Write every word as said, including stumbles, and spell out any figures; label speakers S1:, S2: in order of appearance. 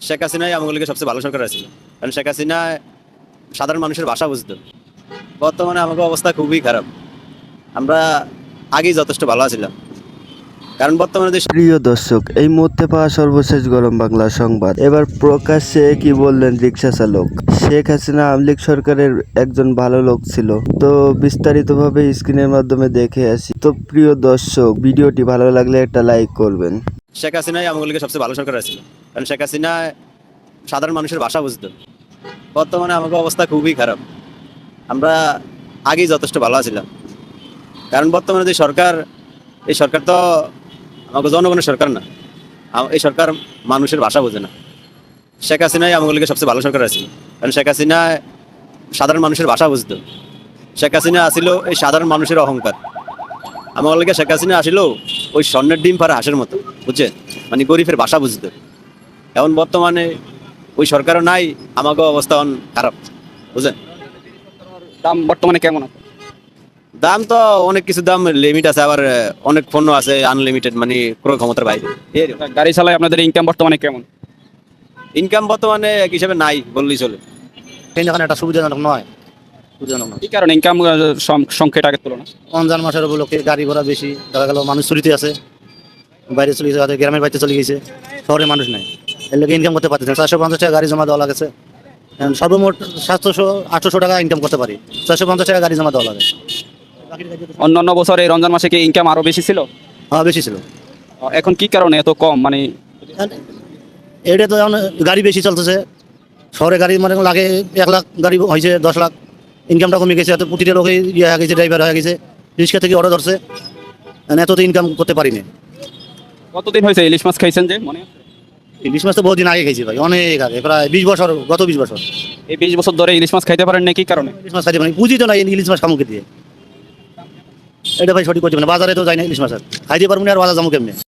S1: শেখ হাসিনাই আমাগুলিকে সবচেয়ে ভালো সরকার ছিল, কারণ শেখ হাসিনা সাধারণ মানুষের ভাষা বুঝতো। বর্তমানে আমাদের অবস্থা খুবই খারাপ। আমরা আগেই যথেষ্ট ভালো ছিলাম, কারণ বর্তমানে যে
S2: প্রিয় দর্শক, এই মুহূর্তে পাওয়া সর্বশেষ গরম বাংলা সংবাদ। এবার প্রকাশ্যে কি বললেন রিক্সা চালক। শেখ হাসিনা আওয়ামী লীগ সরকারের একজন ভালো লোক ছিল। তো বিস্তারিতভাবে স্ক্রিনের মাধ্যমে দেখে আসি। তো প্রিয় দর্শক, ভিডিওটি ভালো লাগলে একটা লাইক করবেন।
S1: শেখ হাসিনাই আমাগুলিকে সবচেয়ে ভালো সরকার ছিল, কারণ শেখ হাসিনা সাধারণ মানুষের ভাষা বুঝতো। বর্তমানে আমাদের অবস্থা খুবই খারাপ। আমরা আগেই যথেষ্ট ভালো ছিলাম, কারণ বর্তমানে যে সরকার, এই সরকার তো আমাকে জনগণের সরকার না। আম- এই সরকার মানুষের ভাষা বোঝে না। শেখ হাসিনাই আমাগুলিকে সবচেয়ে ভালো সরকার ছিল, কারণ শেখ হাসিনা সাধারণ মানুষের ভাষা বুঝতো। শেখ হাসিনা আসিল এই সাধারণ মানুষের অহংকার। আমার লিগে শেখ হাসিনা আসিল ওই স্বর্ণের ডিম পারে হাঁসের মতো, বুঝছে, মানে গরিবের ভাষা বুঝতো। এখন বর্তমানে ওই সরকারও নাই, আমাকে অবস্থা অন খারাপ, বুঝলেন।
S3: দাম বর্তমানে কেমন আছে?
S1: দাম তো অনেক কিছু দাম লিমিট আছে, আবার আহ, অনেক পণ্য আছে আনলিমিটেড, মানে ক্রয় ক্ষমতার বাইরে।
S3: গাড়ি চালায় আপনাদের ইনকাম বর্তমানে কেমন?
S1: ইনকাম বর্তমানে এক হিসাবে নাই বললেই চলে।
S4: ট্রেন যখন একটা সুবিধাজনক নয়, সুবিধাজনক নয়।
S3: কি কারণে ইনকাম সংখ্যাটা আগের তুলনা?
S4: রমজান মাসের উপলক্ষে গাড়ি ঘোড়া বেশি, দেখা গেল মানুষ চুরিতে আছে, বাইরে চলে গেছে, হয়তো গ্রামের বাড়িতে চলে গেছে, শহরে মানুষ নাই, এর লোকে ইনকাম করতে পারতেছে না। চারশো পঞ্চাশ টাকা গাড়ি জমা দেওয়া লাগছে। এখন সর্বমোট সাতশো আটশোশো টাকা ইনকাম করতে পারি, চারশো পঞ্চাশ টাকা গাড়ি জমা দেওয়া লাগে।
S3: অন্যান্য বছরে এই রমজান মাসে কি ইনকাম আরো বেশি ছিল?
S4: হ্যাঁ, বেশি ছিল।
S3: এখন কি কারণে এত কম? মানে
S4: এটা তো এখন গাড়ি বেশি চলতেছে, শহরে গাড়ি মানে লাগে এক লাখ গাড়ি হয়েছে দশ লাখ, ইনকামটা কমে গেছে, এত প্রতিটা লোকে ইয়ে হয়ে গেছে, ড্রাইভার হয়ে গেছে, রিক্সা থেকে অর্ডার ধরছে, এত তো ইনকাম করতে পারিনি।
S3: কতদিন হয়েছে ইলিশ মাছ খাইছেন যে মনে আছে?
S4: ইলিশ মাছ তো বহুদিন আগে খেয়েছি ভাই, অনেক আগে, প্রায় বিশ বছর, গত বিশ বছর
S3: এই বিশ বছর ধরে ইলিশ মাছ খাইতে পারেন না, কি কারণে?
S4: ইলিশ মাছ খাইতে পারি, পুঁজি তো নাই ইলিশ মাছ খামুকে দিয়ে। এটা ভাই সঠিক করতে পারে, বাজারে তো যাই না ইলিশ মাছ, আর খাইতে পারবো না, আর বাজার যাবো কেমনি।